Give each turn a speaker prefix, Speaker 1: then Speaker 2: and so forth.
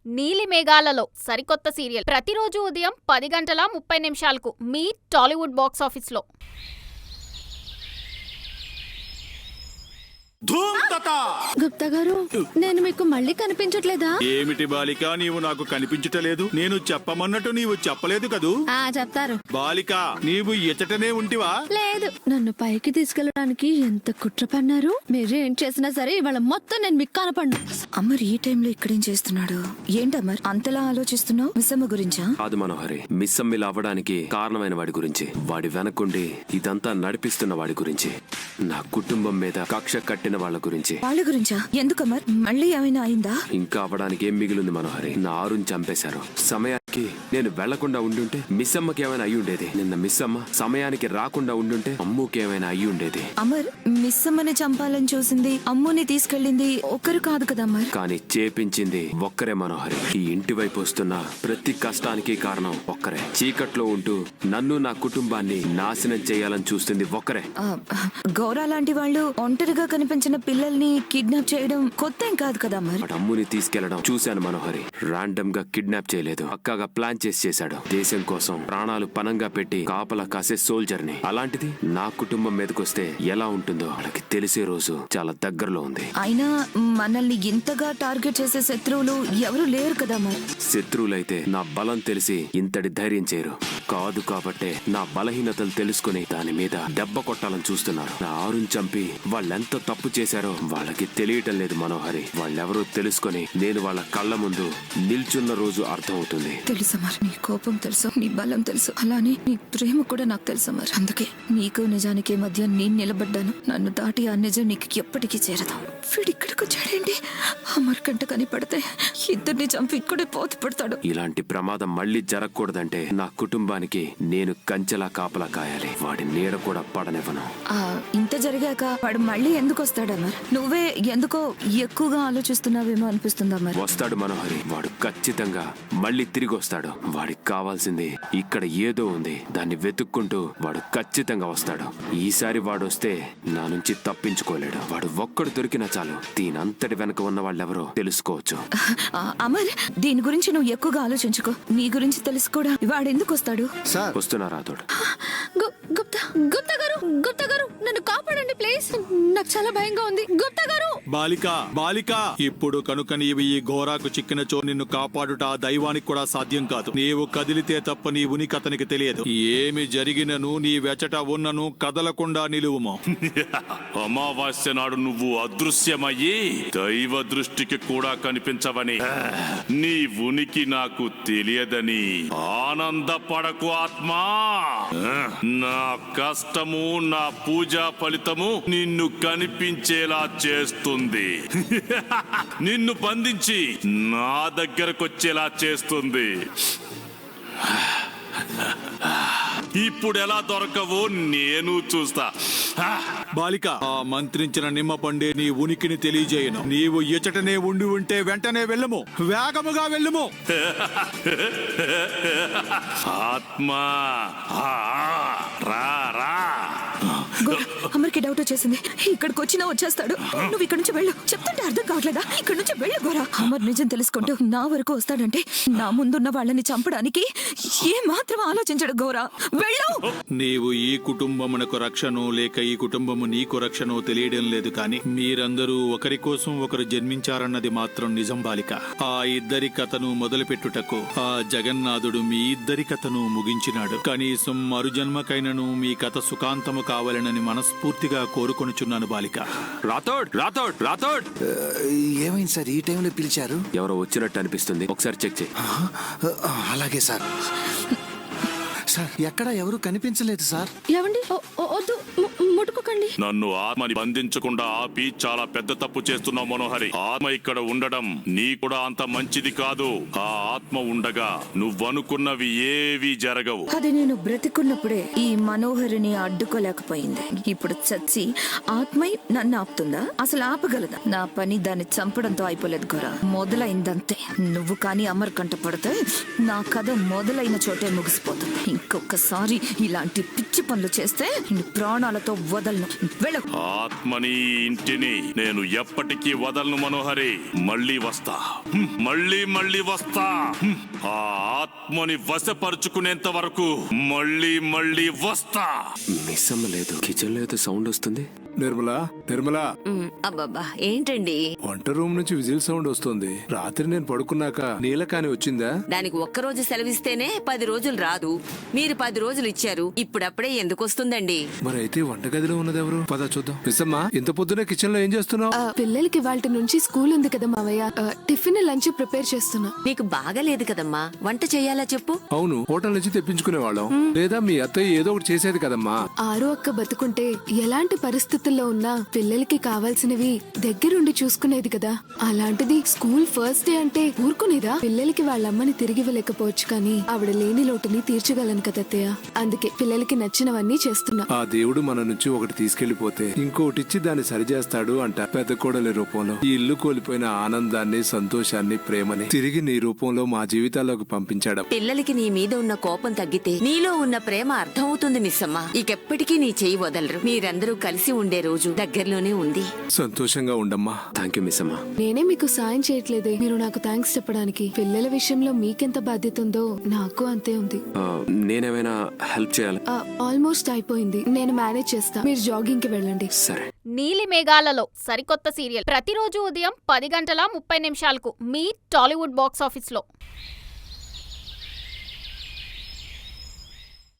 Speaker 1: నీలి మేఘాలలో సరికొత్త సీరియల్ ప్రతిరోజు ఉదయం 10:30 మీ టాలీవుడ్ బాక్స్ ఆఫీస్లో.
Speaker 2: గుప్తా గారు, నేను మీకు మళ్ళీ కనిపించట్లేదా?
Speaker 3: ఏమిటి బాలిక, నీవు నాకు కనిపించటలేదు? నేను చెప్పమన్నట్టు నీవు చెప్పలేదు కదూ.
Speaker 2: చెప్తారు.
Speaker 3: బాలిక, నీవు ఇచ్చటనే ఉంటివా?
Speaker 2: లేదు, నన్ను పైకి తీసుకెళ్ళడానికి ఎంత కుట్ర పన్నారు. మీరు ఏం చేసినా సరే ఇవాళ మొత్తం నేను మీకు కనపడ్ను.
Speaker 4: అమర్ ఈ టైంలో ఇక్కడేం చేస్తున్నాడు? ఏంటమ్మర్ అంతలా ఆలోచిస్తున్నావు? మిస్సమ్మ గురించా?
Speaker 5: కాదు మనోహరి, మిస్సమ్మిలా అవ్వడానికి కారణమైన వాడి గురించి, వాడి వెనకుండి ఇదంతా నడిపిస్తున్న వాడి గురించి, నా కుటుంబం మీద కక్ష కట్టిన వాళ్ళ గురించి.
Speaker 4: వాళ్ళ గురించా? ఎందుకమ్మర్? మళ్ళీ ఏమైనా అయిందా?
Speaker 5: ఇంకా అవ్వడానికి ఏం మిగిలింది మనోహరి? నా ఆరుని చంపేశారు. సమయానికి నేను వెళ్లకుండా ఉండుంటే మిస్సమ్మకి ఏమైనా అయ్యి ఉండేది. నిన్న మిస్సమ్మ సమయానికి రాకుండా ఉండుంటే అమ్ముకి ఏమైనా అయ్యి ఉండేది.
Speaker 4: అమర్, మిస్సమ్మని చంపాలని చూసింది, అమ్ముని తీసుకెళ్ళింది ఒకరు కాదు కదా అమర్?
Speaker 5: కానీ చేపించింది ఒక్కరే మనోహరి. ఈ ఇంటి వైపు వస్తున్న ప్రతి కష్టానికి కారణం ఒక్కరే. చీకట్లో ఉంటూ నన్ను నా కుటుంబాన్ని నాశనం చేయాలని చూస్తుంది ఒక్కరే.
Speaker 4: గౌరా లాంటి వాళ్ళు ఒంటరిగా కనిపించిన పిల్లల్ని కిడ్నాప్ చేయడం కొత్త ఏం కాదు కదా అమర్?
Speaker 5: అమ్ముని తీసుకెళ్లడం చూశాను మనోహరి. రాండమ్ గా కిడ్నాప్ చేయలేదు, పక్కాగా ప్లాన్ చేసి చేశాడు. దేశం కోసం ప్రాణాలు పనంగా పెట్టి కాపలా కాసే సోల్జర్ ని. అలాంటిది నా కుటుంబం మీదకొస్తే ఎలా ఉంటుందో వాళ్ళకి తెలిసే రోజు చాలా దగ్గరలో ఉంది.
Speaker 4: అయినా మనల్ని ఇంతగా టార్గెట్ చేసే శత్రువులు ఎవరు లేరు కదా అమర్?
Speaker 5: శత్రువులైతే నా బలం తెలిసి ఇంతటి ధైర్యం చేయరు. కాదు కాబట్టే నా బలహీనతలు తెలుసుకుని దాని మీద దెబ్బ కొట్టాలని చూస్తున్నారు. నా ఆరుని చంపి వాళ్ళెంత తప్పు చేశారో వాళ్ళకి తెలియటం లేదు మనోహరి. వాళ్ళెవరో తెలుసుకొని నేను వాళ్ళ కళ్ళ ముందు నిల్చున్న రోజు అర్థం అవుతుంది.
Speaker 4: తెలుసు అమర్, నీ కోపం తెలుసు, నీ బలం తెలుసు, అలానే నీ ప్రేమ కూడా నాకు తెలుసు అమర్. అందుకే నీకు నిజానికి మధ్య నేను నిలబడ్డాను. నన్ను దాటి ఆ నిజం నీకు ఎప్పటికీ చేరదు. వీడిక్కడికి వచ్చాడేంటి? అమర్ కంట కనిపడితే ఇద్దరిని చంపి ఇక్కడే పోతి పడతాడు.
Speaker 5: ఇలాంటి ప్రమాదం మళ్ళీ జరగకూడదంటే నా కుటుంబానికి నేను కంచెలా కాపలా కాయాలి. వాడి నీడ కూడా పడనివ్వను.
Speaker 4: ఇంత జరిగాక వాడు మళ్ళీ ఎందుకు వస్తాడు అమర్? నువ్వే ఎందుకో ఎక్కువగా ఆలోచిస్తున్నావేమో అనిపిస్తుంది అమర్.
Speaker 5: వస్తాడు మనోహరి, వాడు ఖచ్చితంగా మళ్ళీ తిరిగి వస్తాడు. వాడికి కావాల్సింది ఇక్కడ ఏదో ఉంది, దాన్ని వెతుక్కుంటూ వాడు ఖచ్చితంగా వస్తాడు. ఈసారి వాడు వస్తే నా నుంచి తప్పించుకోలేడు. వాడు ఒక్కడు దొరికినా చాలు, దీనంతటి వెనక ఉన్న వాళ్ళెవరో తెలుసుకోవచ్చు.
Speaker 4: అమర్, దీని గురించి నువ్వు ఎక్కువగా ఆలోచించుకో. నీ గురించి తెలుసు కూడా వాడు ఎందుకు వస్తాడు?
Speaker 5: వస్తున్నారా తోడు?
Speaker 2: గుప్తా గారు, గుప్తా గారు, నన్ను కాపాడండి ప్లీజ్. నాకు చాలా భయంగా ఉంది. గుప్తా గారు!
Speaker 3: బాలిక, బాలిక, ఇప్పుడు కనుక నీవు ఈ ఘోరాకు చిక్కినచో నిన్ను కాపాడుట ఆ దైవానికి కూడా సాధ్యం కాదు. నీవు కదిలితే తప్ప నీ ఉనికి అతనికి తెలియదు. ఏమి జరిగినను నీ వెచట ఉన్నను కదలకుండా నిలువుము.
Speaker 6: అమావాస్య నాడు నువ్వు అదృశ్యమయ్యి దైవ దృష్టికి కూడా కనిపించవని, నీ ఉనికి నాకు తెలియదని ఆనందపడకు ఆత్మా. నా కష్టము, నా పూజా ఫలితము నిన్ను కనిపించేలా చేస్తుంది. నిన్ను బంధించి నా దగ్గరకొచ్చేలా చేస్తుంది. ఇప్పుడు ఎలా దొరకవో నేను చూస్తా.
Speaker 3: బాలిక, ఆ మంత్రించిన నిమ్మ పండే నీ ఉనికిని తెలియజేయను. నీవు ఇచ్చటనే ఉండి ఉంటే వెంటనే వెళ్ళము, వేగముగా వెళ్ళము.
Speaker 6: ఆత్మా, రా రా.
Speaker 4: అమర్కి డౌట్ వచ్చేసింది. ఇక్కడికి వచ్చినా వచ్చేస్తాడు. నువ్వు ఇక్కడ నుంచి వెళ్ళు. చెప్తుంటే అర్థం కావట్లేదా? ఇక్కడ నుంచి వెళ్ళు గోరా. అమర్ నిజం తెలుసుకుంటూ నా వరకు వస్తాడంటే నా ముందున్న వాళ్ళని చంపడానికి ఏ మాత్రం ఆలోచించడు గోరా. వెళ్ళు.
Speaker 3: నీవు ఈ కుటుంబమునకు రక్షను లేక ఈ కుటుంబము నీకు రక్షను తెలియడం లేదు, కానీ మీరందరూ ఒకరి కోసం ఒకరు జన్మించారన్నది మాత్రం నిజం బాలిక. ఆ ఇద్దరి కథను మొదలుపెట్టుటకు ఆ జగన్నాథుడు మీ ఇద్దరి కథను ముగించినాడు. కనీసం మరుజన్మకైనను మీ కథ సుఖాంతము కావాలనని మనస్ఫూర్తిగా కోరుకొనుచున్నాను బాలిక.
Speaker 5: రాథోడ్, రాథోడ్, రాథోడ్!
Speaker 7: ఏమైంది సార్ ఈ టైంలో పిలిచారు?
Speaker 5: ఎవరో వచ్చినట్టు అనిపిస్తుంది, ఒకసారి చెక్ చేయి.
Speaker 7: అలాగే సార్. సార్, ఎక్కడ ఎవరు కనిపించలేదు సార్.
Speaker 2: ఏమండి? వద్దు, ముట్టుకోకండి.
Speaker 6: నన్ను ఆత్మని బంధించకుండా ఆపి చాలా పెద్ద తప్పు చేస్తున్నావు మనోహరి. ఆత్మ ఇక్కడ ఉండడం నీ కూడా అంత మంచిది కాదు. ఆ ఆత్మ ఉండగా నువ్వనుకున్నవి ఏవి జరగవు.
Speaker 4: అది నేను బ్రతికున్నప్పుడే ఈ మనోహరిని అడ్డుకోలేకపోయింది. ఇప్పుడు చచ్చి ఆత్మై నన్ను ఆపుతుందా? అసలు ఆపగలదా? నా పని దాన్ని చంపడంతో అయిపోలేదు గోరా, మొదలైందంతే. నువ్వు కానీ అమర్ కంట పడితే నా కథ మొదలైన చోటే ముగిసిపోతుంది. ఇంకొకసారి ఇలాంటి పిచ్చి పనులు చేస్తే ప్రాణాలతో వదలను. వెళ్ళు.
Speaker 6: ఆత్మని ఇంటిని నేను ఎప్పటికీ వదలను మనోహరి. మళ్ళీ వస్తా, మళ్ళీ మళ్ళీ వస్తా. ఆ ఆత్మని వశపరుచుకునేంత వరకు మళ్ళీ మళ్ళీ వస్తా.
Speaker 5: మిస్ అమ్మ లేదు, కిచెన్ లో ఏదో సౌండ్ వస్తుంది.
Speaker 8: నిర్మలా
Speaker 9: అబ్బబ్బా ఏంటండి?
Speaker 8: వంట రూమ్ నుంచి విజిల్ సౌండ్ వస్తుంది. రాత్రి నేను పడుకున్నాక నీలకాని వచ్చిందా?
Speaker 9: దానికి ఒక్కరోజు సెలవిస్తేనే 10 రోజులు రాదు. మీరు 10 రోజులు ఇచ్చారు, ఇప్పుడప్పుడే ఎందుకు వస్తుందండి?
Speaker 8: మరి అయితే వంటగదిలో ఉన్నది ఎవరు? పద చూద్దాం. మిస్సమ్మా, ఇంత పొద్దునే కిచెన్ లో ఏం చేస్తున్నావు?
Speaker 2: పిల్లలకి వాళ్ళ నుంచి స్కూల్ ఉంది కదా మావయ్య, టిఫిన్ లంచ్ ప్రిపేర్ చేస్తున్నా.
Speaker 9: నీకు బాగాలేదు కదమ్మా, వంట చెయ్యాలా చెప్పు?
Speaker 8: అవును, హోటల్ నుంచి తెప్పించుకునే వాళ్ళం. లేదా మీ అత్తయ్య ఏదో ఒకటి చేసేది కదమ్మా.
Speaker 2: ఆరు అక్క బతుకుంటే ఎలాంటి పరిస్థితుల్లో ఉన్నా పిల్లలకి కావాల్సినవి దగ్గరుండి చూసుకునేది కదా. అలాంటిది స్కూల్ ఫస్ట్ డే అంటే ఊరుకునేదా? పిల్లలకి వాళ్ళమ్మని తిరిగి ఇవ్వలేకపోవచ్చు, కానీ ఆవిడ లేని లోటుని తీర్చగలను కదా అత్తయ్య. అందుకే పిల్లలకి నచ్చినవన్నీ చేస్తున్నా.
Speaker 8: ఆ దేవుడు మన నుంచి ఒకటి తీసుకెళ్లిపోతే ఇంకొకటి ఇచ్చి దాన్ని సరిచేస్తాడు అంట. పెద్ద కోడలి రూపంలో ఈ ఇల్లు కోల్పోయిన ఆనందాన్ని, సంతోషాన్ని, ప్రేమని తిరిగి నీ రూపంలో మా జీవితాల్లోకి పంపించాడు.
Speaker 9: పిల్లలకి నీ మీద ఉన్న కోపం తగ్గితే నీలో ఉన్న ప్రేమ అర్థమవుతుంది మిస్సమ్మ. ఇకెప్పటికీ నీ చెయ్యి వదలరు. మీరందరూ కలిసి ఉండే రోజు దగ్గరలోనే ఉంది.
Speaker 8: సంతోషంగా ఉండమ్మా.
Speaker 5: థ్యాంక్ యూ మిస్ అమ్మ.
Speaker 2: నేనే మీకు సాయం చేయట్లేదే, మీరు నాకు థ్యాంక్స్ చెప్పడానికి. పిల్లల విషయంలో మీకెంత బాధ్యత ఉందో నాకు అంతే ఉంది.
Speaker 5: నేనేమైనా హెల్ప్ చేయాలి?
Speaker 2: ఆల్మోస్ట్ అయిపోయింది, నేను మేనేజ్ చేస్తా. మీరు జాగింగ్ కి వెళ్ళండి.
Speaker 5: సరే.
Speaker 1: నీలి మేఘాలలో సరికొత్త సీరియల్ ప్రతిరోజు ఉదయం 10 గంటల 30 నిమిషాలకు మీ టాలీవుడ్ బాక్స్ ఆఫీస్లో.